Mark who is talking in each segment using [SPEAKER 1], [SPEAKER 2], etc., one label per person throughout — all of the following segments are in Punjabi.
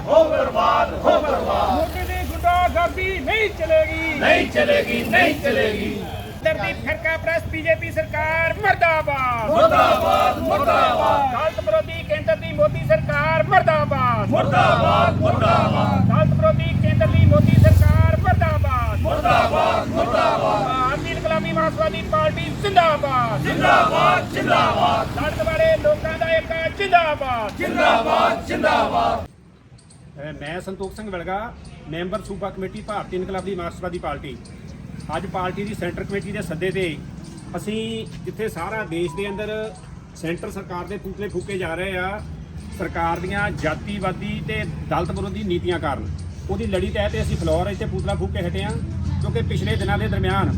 [SPEAKER 1] हो बर्बाद हो बर्बाद।
[SPEAKER 2] मोदी की गुंडागर्दी नहीं चलेगी
[SPEAKER 1] नहीं चलेगी नहीं चलेगी।
[SPEAKER 2] दर्दी फिरका प्रेस बीजेपी सरकार मुर्दाबाद
[SPEAKER 1] मुर्दाबाद मुर्दाबाद
[SPEAKER 2] दलित विरोधी केंद्र की मोदी सरकार मुर्दाबाद
[SPEAKER 1] मुर्दाबाद मुर्दाबाद
[SPEAKER 2] दलित विरोधी केंद्र की मोदी सरकार मुर्दाबाद
[SPEAKER 1] मुर्दाबाद मुर्दाबाद।
[SPEAKER 2] भारतीय इनकलाबी मार्क्सवादी पार्टी जिंदाबाद
[SPEAKER 1] जिंदाबाद जिंदाबाद
[SPEAKER 2] दलित वाले लोगों का एक जिंदाबाद
[SPEAKER 1] जिंदाबाद जिंदाबाद।
[SPEAKER 2] मैं संतोख सिंह विलगा मैंबर सूबा कमेटी भारती इनकलाबी मार्क्सवादी पार्टी। ਅੱਜ ਪਾਰਟੀ ਦੀ ਸੈਂਟਰ ਕਮੇਟੀ ਦੇ ਸੱਦੇ ਤੇ ਅਸੀਂ ਜਿੱਥੇ ਸਾਰਾ ਦੇਸ਼ ਦੇ ਅੰਦਰ ਸੈਂਟਰ ਸਰਕਾਰ ਦੇ ਪੁਤਲੇ ਫੂਕੇ ਜਾ ਰਹੇ ਆ ਸਰਕਾਰ ਦੀਆਂ ਜਾਤੀਵਾਦੀ ਤੇ ਦਲਿਤ ਵਿਰੋਧੀ ਨੀਤੀਆਂ ਕਾਰਨ, ਉਹਦੀ ਲੜੀ ਤਹਿਤ ਅਸੀਂ ਫਲੋਰ ਇੱਥੇ ਪੁਤਲਾ ਫੂਕ ਕੇ ਹਟੇ ਆ। ਕਿਉਂਕਿ ਪਿਛਲੇ ਦਿਨਾਂ ਦੇ ਦਰਮਿਆਨ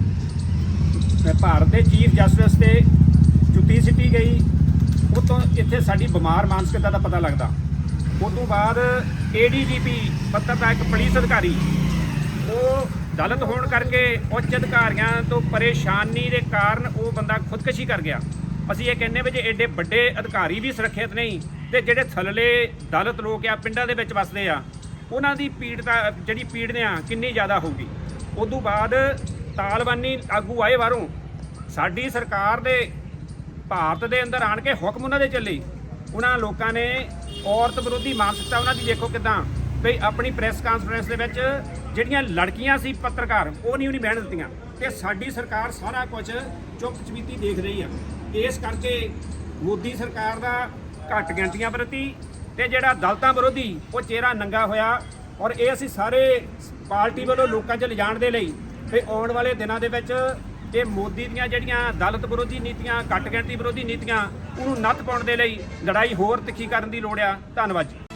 [SPEAKER 2] ਭਾਰਤ ਦੇ ਚੀਫ ਜਸਟਿਸ ਤੇ ਜੁੱਤੀ ਸਿੱਟੀ ਗਈ, ਉਹ ਤੋਂ ਇੱਥੇ ਸਾਡੀ ਬਿਮਾਰ ਮਾਨਸਿਕਤਾ ਦਾ ਪਤਾ ਲੱਗਦਾ। ਉਸ ਤੋਂ ਬਾਅਦ ADGP ਪੱਤਰਕਾਰ ਇੱਕ ਪੁਲਿਸ ਅਧਿਕਾਰੀ ਉਹ ਦਲਿਤ ਹੋਣ ਕਰਕੇ ਉੱਚ ਅਧਿਕਾਰੀਆਂ ਤੋਂ ਪਰੇਸ਼ਾਨੀ ਦੇ ਕਾਰਨ ਉਹ ਬੰਦਾ ਖੁਦਕੁਸ਼ੀ ਕਰ ਗਿਆ। ਅਸੀਂ ਇਹ ਕਹਿੰਦੇ ਵੀ ਜੇ ਐਡੇ ਵੱਡੇ ਅਧਿਕਾਰੀ ਵੀ ਸੁਰੱਖਿਅਤ ਨਹੀਂ ਤੇ ਜਿਹੜੇ ਥੱਲੇ ਦਲਿਤ ਲੋਕ ਆ ਪਿੰਡਾਂ ਦੇ ਵਿੱਚ ਵਸਦੇ ਆ ਉਹਨਾਂ ਦੀ ਪੀੜਤਾ ਜਿਹੜੀ ਪੀੜਨਾ ਕਿੰਨੀ ਜ਼ਿਆਦਾ ਹੋਊਗੀ। ਉਸ ਤੋਂ ਬਾਅਦ ਤਾਲਬਾਨੀ ਆਗੂ ਆਏ ਬਾਹਰੋਂ, ਸਾਡੀ ਸਰਕਾਰ ਦੇ ਭਾਰਤ ਦੇ ਅੰਦਰ ਆਣ ਕੇ ਹੁਕਮ ਉਹਨਾਂ ਦੇ ਚੱਲੇ। ਉਹਨਾਂ ਲੋਕਾਂ ਨੇ ਔਰਤ ਵਿਰੋਧੀ ਮਾਨਸਿਕਤਾ ਉਹਨਾਂ ਦੀ ਦੇਖੋ ਕਿਦਾਂ ਵੀ ਆਪਣੀ ਪ੍ਰੈਸ ਕਾਨਫਰੰਸ ਦੇ ਵਿੱਚ ਜਿਹੜੀਆਂ ਲੜਕੀਆਂ ਸੀ ਪੱਤਰਕਾਰ ਉਹ ਨਹੀਂ ਬਹਿਣ ਦਿੱਤੀਆਂ ਤੇ ਸਾਡੀ ਸਰਕਾਰ ਸਾਰਾ ਕੁਝ ਚੁੱਪ ਚਪੀਤੀ ਦੇਖ ਰਹੀ ਆ। ਇਸ ਕਰਕੇ ਮੋਦੀ ਸਰਕਾਰ ਦਾ ਘੱਟ ਗਿਣਤੀਆਂ ਪ੍ਰਤੀ ਤੇ ਜਿਹੜਾ ਦਲਿਤਾਂ ਵਿਰੋਧੀ ਉਹ ਚਿਹਰਾ ਨੰਗਾ ਹੋਇਆ। ਔਰ ਇਹ ਅਸੀਂ ਸਾਰੇ ਪਾਰਟੀ ਵੱਲੋਂ ਲੋਕਾਂ 'ਚ ਲਿਜਾਣ ਦੇ ਲਈ ਤੇ ਆਉਣ ਵਾਲੇ ਦਿਨਾਂ ਦੇ ਵਿੱਚ ਇਹ ਮੋਦੀ ਦੀਆਂ ਜਿਹੜੀਆਂ ਦਲਿਤ ਵਿਰੋਧੀ ਨੀਤੀਆਂ, ਘੱਟ ਗਿਣਤੀ ਵਿਰੋਧੀ ਨੀਤੀਆਂ ਉਹਨੂੰ ਨੱਥ ਪਾਉਣ ਦੇ ਲਈ ਲੜਾਈ ਹੋਰ ਤਿੱਖੀ ਕਰਨ ਦੀ ਲੋੜ ਆ। ਧੰਨਵਾਦ ਜੀ।